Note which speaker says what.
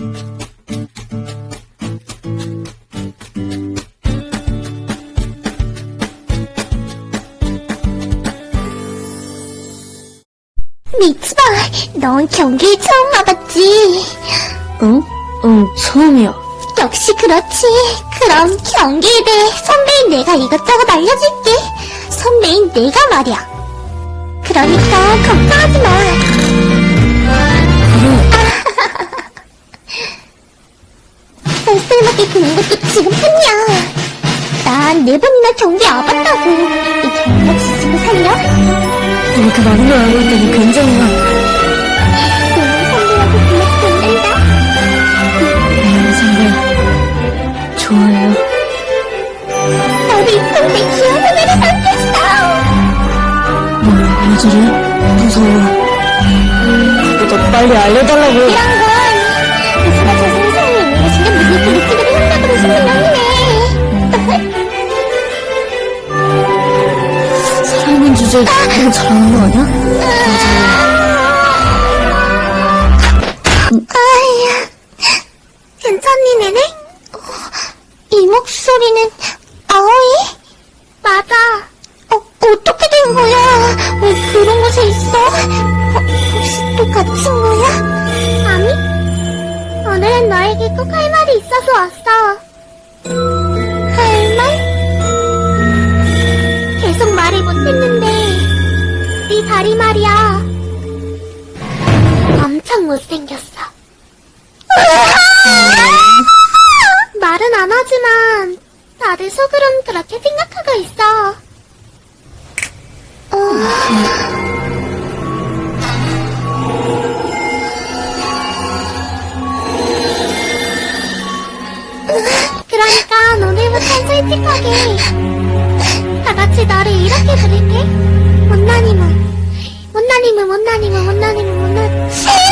Speaker 1: 미츠바, 넌 경기에 처음 와봤지?
Speaker 2: 응? 응, 처음이야.
Speaker 1: 역시 그렇지. 그럼 경기에 대해 선배인 내가 이것저것 알려줄게. 선배인 내가 말이야. 그러니까 걱정하지 마. 쌀쌀맞게 구는 것도 지금 뿐이야. 난 4번이나 경기에 와봤다고. 이 경력 지지고 살려?
Speaker 2: 이렇게 많은 걸 알고 있다니 굉장히
Speaker 1: 너는 선배라고 불러도 된단다.
Speaker 2: 나연 선배, 좋아요.
Speaker 1: 나도 이쁜 내 귀여운 선배를 삼켰어.
Speaker 2: 왜 저래? 무서워. 더 빨리 알려달라고.
Speaker 1: 이런 건 미츠바 자신이 사랑에 있는 것인가 무슨 그 느낌으로 생각으로 숨는 명이네.
Speaker 2: 사랑인 주제에 그냥 잘하는 거 아니야?
Speaker 1: 아야, 괜찮니, 네네? 이 목소리는 아오이? 맞아. 어떻게 된 거야? 왜 그런 곳에 있어? 혹시 또 갇힌 거야? 아니, 오늘은 너에게 꼭 할 말이 있어서 왔어. 할 말? 계속 말을 못했는데 네 다리 말이야. 엄청 못생겼어. 말은 안 하지만 다들 속으론 그렇게 생각하고 있어. 그러니까 오늘부턴 솔직하게 다 같이 너를 이렇게 부를게. 못난이모, 못난이모, 못난이모, 못난이모, 못난.